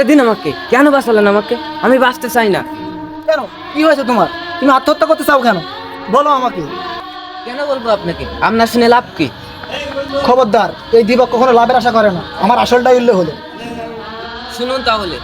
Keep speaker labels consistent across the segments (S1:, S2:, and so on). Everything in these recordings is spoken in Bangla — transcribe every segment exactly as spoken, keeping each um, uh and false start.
S1: ছেড়ে দিন আমাকে। কেন বাঁচালেন আমাকে? আমি বাঁচতে চাই না।
S2: কেন, কি হয়েছে তোমার? তুমি আত্মহত্যা করতে চাও কেন? বলো আমাকে।
S1: কেন বলবো আপনাকে? আপনার শুনে লাভ কি?
S2: খবরদার, এই দিবক কখনো লাভের আশা করে না। আমার আসলটা উল্লেখ হলো।
S1: শুনুন তাহলে।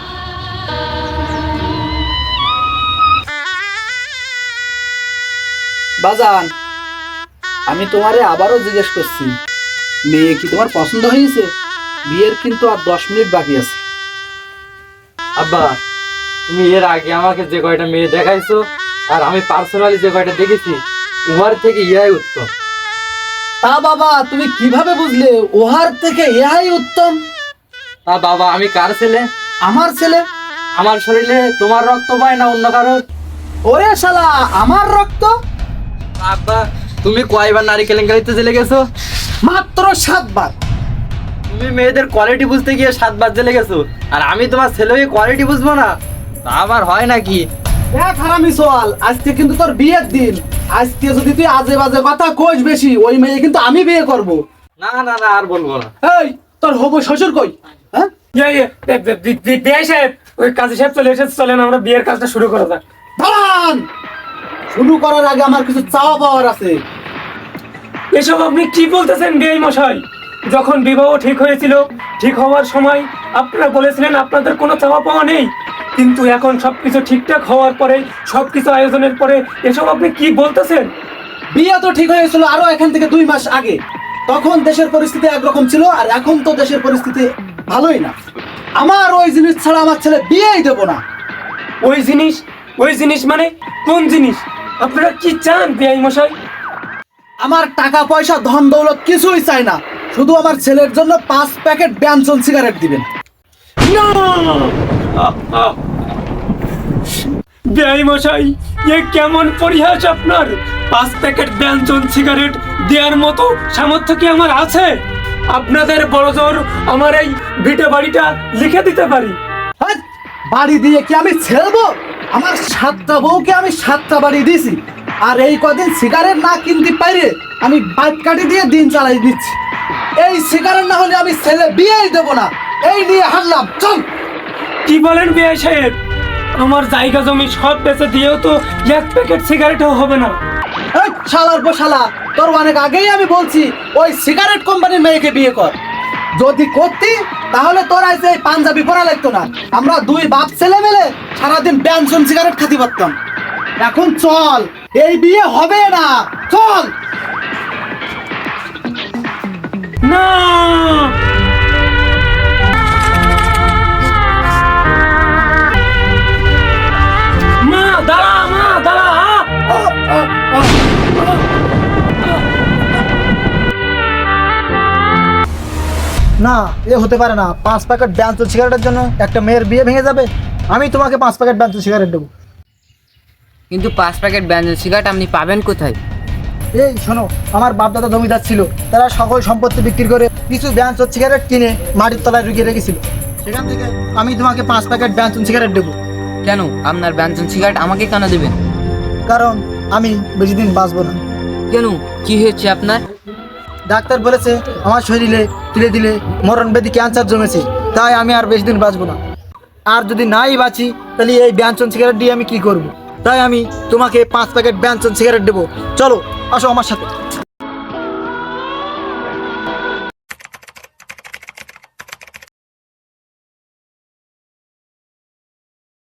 S3: বাজান, আমি তোমারে আবারও জিজ্ঞেস করছি, মেয়ে কি তোমার পছন্দ হয়েছে? বিয়ের কিন্তু আর দশ মিনিট বাকি আছে।
S4: আব্বা, তুমি এর আগে আমাকে যে কয়টা মেয়ে দেখাইছো আর আমি পার্সোনালি যে কয়টা দেখেছি, উহার থেকে ইয়াই উত্তম।
S3: তা বাবা, তুমি কিভাবে বুঝলে ওহার থেকে ইহাই উত্তম?
S4: তা বাবা, আমি কার ছেলে?
S3: আমার ছেলে।
S4: আমার শরীরে তোমার রক্ত পায় না অন্য কারোর?
S3: ওরে শালা, আমার রক্ত?
S4: আব্বা, তুমি কয়বার নারী কেলেঙ্কারিতে জেলে গেছো?
S3: মাত্র সাতবার।
S4: তুমি মেয়েদের কোয়ালিটি বুঝতে গিয়ে সাতবার জেলে গেছো, আর আমি তোমার ছেলে হয়ে কোয়ালিটি বুঝবো না? তা আবার হয় নাকি?
S3: এক হারামি সোয়াল, আজকে কিন্তু তোর বিয়ের দিন। আজকে যদি তুই আজে বাজে কথা কইস বেশি, ওই মেয়ে কিন্তু আমি বিয়ে করব।
S4: না না না, আর বলবো না।
S3: এই, তোর হবু শ্বশুর কই? হ্যাঁ,
S5: বিয়ে সাহেব, ওই কাজী সাহেব চলে এসেছে, চলেন আমরা বিয়ের কাজটা শুরু করা যাক।
S3: দাঁড়ান। শুরু করার আগে আমার কিছু চাওয়া পাওয়ার আছে।
S5: এসব আপনি কি বলতেছেন বিআই মশাই? যখন বিবাহ ঠিক হয়েছিল, ঠিক হওয়ার সময় আপনারা বলেছিলেন আপনাদের কোনো চাওয়া পাওয়া নেই, কিন্তু এখন সবকিছু ঠিকঠাক হওয়ার পরে, সবকিছু আয়োজনের পরে এসব আপনি কি বলতেছেন?
S3: বিয়ে তো ঠিক হয়েছিল আরো এখান থেকে দুই মাস আগে। তখন দেশের পরিস্থিতি একরকম ছিল, আর এখন তো দেশের পরিস্থিতি ভালোই না। আমার ওই জিনিস ছাড়া আমার ছেলে বিয়েই দেবো না।
S5: ওই জিনিস? ওই জিনিস মানে কোন জিনিস? আপনারা কি চান বিআই মশাই?
S3: আমার টাকা পয়সা ধন দৌলত কিছুই চাই না, শুধু আমার ছেলের জন্য পাঁচ প্যাকেট ব্যঞ্জন সিগারেট দিবেন।
S5: বিআই মশাই, এ কেমন পরিহাস আপনার? পাঁচ প্যাকেট ব্যঞ্জন সিগারেট দেওয়ার মতো সামর্থ্য কি আমার আছে? আপনাদের বড় জোর আমার এই ভিটে বাড়িটা লিখে দিতে পারি।
S3: হ্যাঁ, বাড়ি দিয়ে কি আমি ছেড়বো? আমার সাতটা বউকে আমি সাতটা বাড়ি দিয়েছি, আর এই কদিন সিগারেট না কিনতে পারে আমি বাইক কাটি দিয়ে দিন চালাই দিচ্ছি। এই সিগারেট না হলে আমি ছেলে বিয়েই দেবো না। এই নিয়ে হারলাম, চল।
S5: কি বলেন বিআই সাহেব? আমার জায়গা জমি সব বেচে দিয়েও তো এক প্যাকেট সিগারেটও হবে না।
S3: এই শালার পো শালা, তোর অনেক আগেই আমি বলছি ওই সিগারেট কোম্পানির মেয়েকে বিয়ে কর। যদি করতি তাহলে তোর আজ এই পাঞ্জাবি পরা লাগতো না। আমরা দুই বাপ ছেলে মিলে সারাদিন ব্যঞ্জন সিগারেট খাতি পারতাম। এখন চল, এই বিয়ে হবে না, চল।
S5: না, মা দাঁড়া, মা দাঁড়া।
S2: না, এ হতে পারে না। পাঁচ প্যাকেট ব্যঞ্জন সিগারেটের জন্য একটা মেয়ের বিয়ে ভেঙে যাবে? আমি তোমাকে পাঁচ প্যাকেট ব্যঞ্জন সিগারেট দেবো।
S1: কিন্তু পাঁচ প্যাকেট ব্যঞ্জন সিগারেট আপনি পাবেন কোথায়?
S2: এই শোনো, আমার বাপ দাদা জমিদার ছিল, তারা সকল সম্পত্তি বিক্রি করে কিছু ব্যঞ্জন সিগারেট কিনে মাটির তলায় ঢুকিয়ে রেখেছিল। সেখান থেকে আমি তোমাকে পাঁচ প্যাকেট ব্যঞ্জন সিগারেট দেবো।
S1: কেন আপনার ব্যঞ্জন সিগারেট আমাকে কেন দেবেন?
S2: কারণ আমি বেশি দিন বাঁচবো না।
S1: কেন, কি হয়েছে আপনার?
S2: ডাক্তার বলেছে আমার শরীরে তুলে দিলে মরণ ব্যাধি ক্যান্সার জমেছে, তাই আমি আর বেশি দিন বাঁচবো না। আর যদি নাই বাঁচি তাহলে এই ব্যঞ্জন সিগারেট দিয়ে আমি কি করব? তাই আমি তোমাকে পাঁচ প্যাকেট ব্যঞ্জন সিগারেট দেবো। চলো, আসো আমার সাথে।